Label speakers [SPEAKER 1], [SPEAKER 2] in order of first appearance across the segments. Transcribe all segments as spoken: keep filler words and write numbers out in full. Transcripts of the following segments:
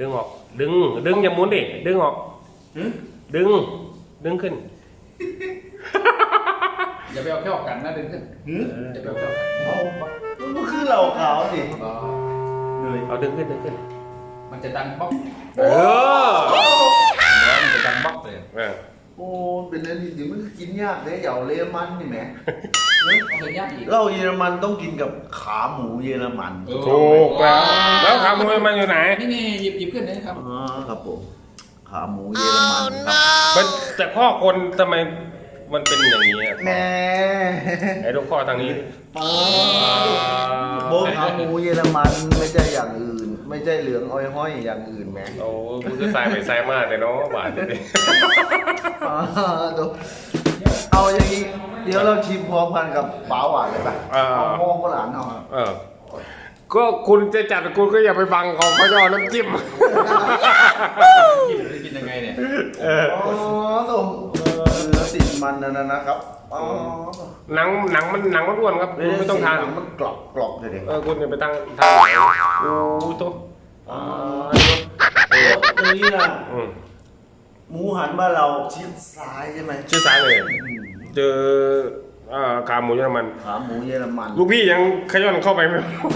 [SPEAKER 1] ดึงออกดึงดึงอย่าหมุนดิดึงออกดึงดึงขึ้น
[SPEAKER 2] อย่าไปเอาแค่ออกกันนะดึงขึ้นอย่าไปเอาแค่ออกกัน
[SPEAKER 3] เอามันคือเหล่าขาวดิเลย
[SPEAKER 1] เอาดึงขึ้นดึงขึ้น
[SPEAKER 2] มันจะดังบ๊อก
[SPEAKER 1] เออ
[SPEAKER 2] มันจะดังบ๊อกเลย
[SPEAKER 1] เออ
[SPEAKER 3] โอ้เป็นอะไรที่มันกินยากเลยเหยาเลมันนี่แหม
[SPEAKER 2] เอายากอีก
[SPEAKER 3] เหล้าเยอรมันต้องกินกับขาหมูเยอรมัน
[SPEAKER 1] ถูกแล้วแล้วขาหมูเยอรมันอยู่ไหน
[SPEAKER 2] นี่นี่หยิบหยิบขึ้นเลยครับ
[SPEAKER 3] อ๋อครับผมขาหมูเยอรมันครับ
[SPEAKER 1] แต่ข้อคนทำไมมันเป็นอย่างนี้อ่ะ
[SPEAKER 3] แน่
[SPEAKER 1] ไอ้ลูกข้อทางนี้
[SPEAKER 3] โบขาหมูเยอรมันไม่ใช่อย่างอื่นไม่ใช่เหลืองอ้อยห้อยอย่างอื่นแม่
[SPEAKER 1] โอ้คุณก็ใส่ไปใส่มากเลยเนาะบาทเลย
[SPEAKER 3] เอาอย่างนี้เดี๋ยวเราชิมพร้อมกันกับป๋าหวานเลยป่ะเอาโม่ก็หลานเอา
[SPEAKER 1] เออก็คุณจะจัดคุณก็อย่าไปบังเขาเขาจะเอาน้ำจิ้ม
[SPEAKER 2] กินกินยังไงเนี่ย
[SPEAKER 3] อ๋อตรงเนื้อติดมันนั่นนะครับอ๋อ
[SPEAKER 1] หนังหนังมันหนังมันอ้วนครับคุณไม่ต้องทาน
[SPEAKER 3] มันกรอบกรอบเลยเด็ก
[SPEAKER 1] เออคุณอย่าไปตั้งทานโอ้ตัว
[SPEAKER 3] อ๋อตัวนี้นะหมูหันบ้านเราชิดซ้ายใช่ไหม
[SPEAKER 1] ชิดซ้ายเลยเจอขาหมูเยอรมัน
[SPEAKER 3] ขาหมูเยอรมัน
[SPEAKER 1] ลูกพี่ยังขย้อนเข้าไปไหม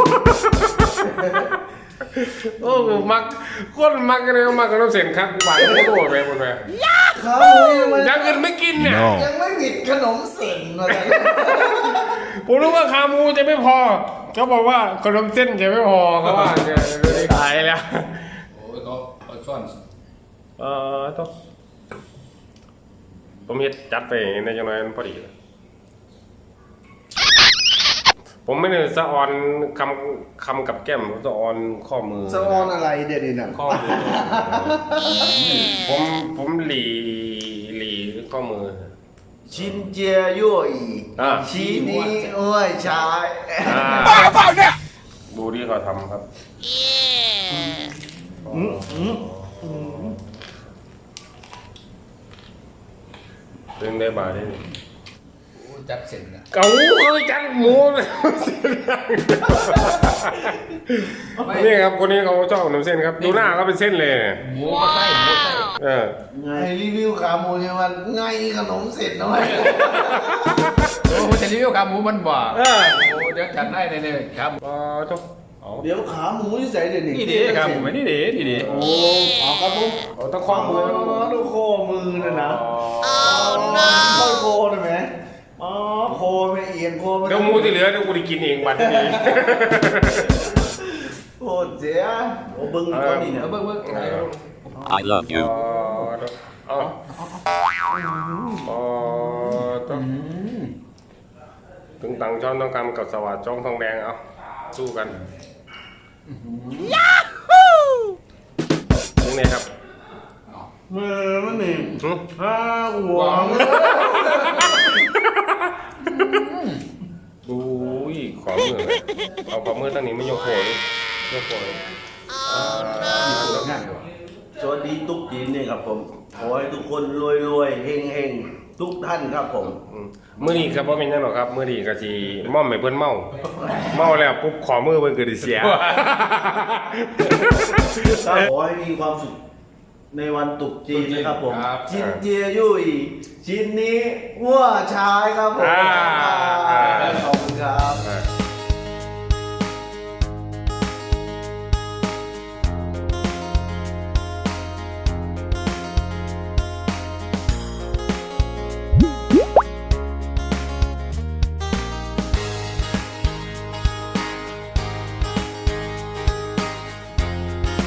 [SPEAKER 1] โอ้มักคนมักกันเลยมักกันน้ำเส้นครับหวานโคตรโดดไปหมดเลย
[SPEAKER 3] ขาหมูเยอรมัน
[SPEAKER 1] ยังอื่นไม่กินเนี่ย
[SPEAKER 3] ยังไม่หวิดขนมเส้นอะไร
[SPEAKER 1] ผมรู้ว่าขาหมูจะไม่พอเขาบอกว่าขนมเส้นจะไม่พอเขาว่าจะได้ขายแล้ว
[SPEAKER 2] โอ้ยเขาเอาซ่อน
[SPEAKER 1] เออต้องผมเฮ็ดจัดไปในจังหวะนั้นพอดีผมไม่ได้สะออนคำคำกับแก้มสะออนข้อมือ
[SPEAKER 3] สะออนอะไรเด็ดๆน่ะ
[SPEAKER 1] ข้อมือผมผมหลีหลีข้อมือ
[SPEAKER 3] ชินเจียยุ่ยชี้นี้โอ้ยชาย
[SPEAKER 1] บ้าเปล่าเนี่ยดูที่เขาทำครับดึงได้บาได้
[SPEAKER 2] จัดเส้นนะ
[SPEAKER 1] เก๋าเลยจัดหมูเลยนี่ครับคนนี้เขาชอบขนมเส้นครับดูหน้าเขาเป็นเส้นเลย
[SPEAKER 2] หมูก็ไส้หมูไส้
[SPEAKER 1] เออ
[SPEAKER 3] ไงรีวิวขาหมูเนี่ยมันไงขนมเสร็จหน่อย
[SPEAKER 2] โอ้จะรีวิวขาหมูมันบ่โอ้เดี๋ยวจัดให้เลยเลยครับ
[SPEAKER 1] อ๋อทุก
[SPEAKER 3] เดี๋ยวขาหมูที่ใส่เดี๋ยวนี้
[SPEAKER 2] นี่ดิขาหมูนี่ดินี่ดิ
[SPEAKER 3] โอ้อ๋อครับผม
[SPEAKER 1] ต้องข้อมือ
[SPEAKER 3] ต้องข้อมือนะนะอ๋อต้องโคได้ไหมอ๋อโคไม่เอียงโค
[SPEAKER 1] เดี๋ยวหมูที่เหลือเดี๋ยวกูได้กินเองวันนี้
[SPEAKER 3] โอ้เจ๊โอ้บึ้งก้อนนี่เนี่ย
[SPEAKER 2] บึ้งบึ้ง
[SPEAKER 4] I love you
[SPEAKER 1] อ๋ออ๋อต้องถึงตังช้อนต้องกำกับสวัสดิ์จ้องทองแดงเอาสู้กันยาฮูยังไงครับ
[SPEAKER 3] เมื่อมันนี่ฮ่าหัว
[SPEAKER 1] ดูอีกขอมือเอาขอมือตั้งนี้ไม่ยกโผล่ยกโผล่
[SPEAKER 3] สวัสดีตุ๊กจีนนี่ครับผมขอให้ทุกคนรวยรวยเฮงเฮงทุกท่านครับผม
[SPEAKER 1] เมื่อนี้ครับว่าเป็นยังหรอครับเมื่อนี้ก็จีม่อมไม่เพิ่นเมาเมาแล้วปุ๊บขอมือเพิ่นเกิดเสีย
[SPEAKER 3] ขอให้มีความสุขในวันตรุษจีนนะครับผมชินเจียยุ่ยชินนี้วัวชายครับผมขอบคุณครับ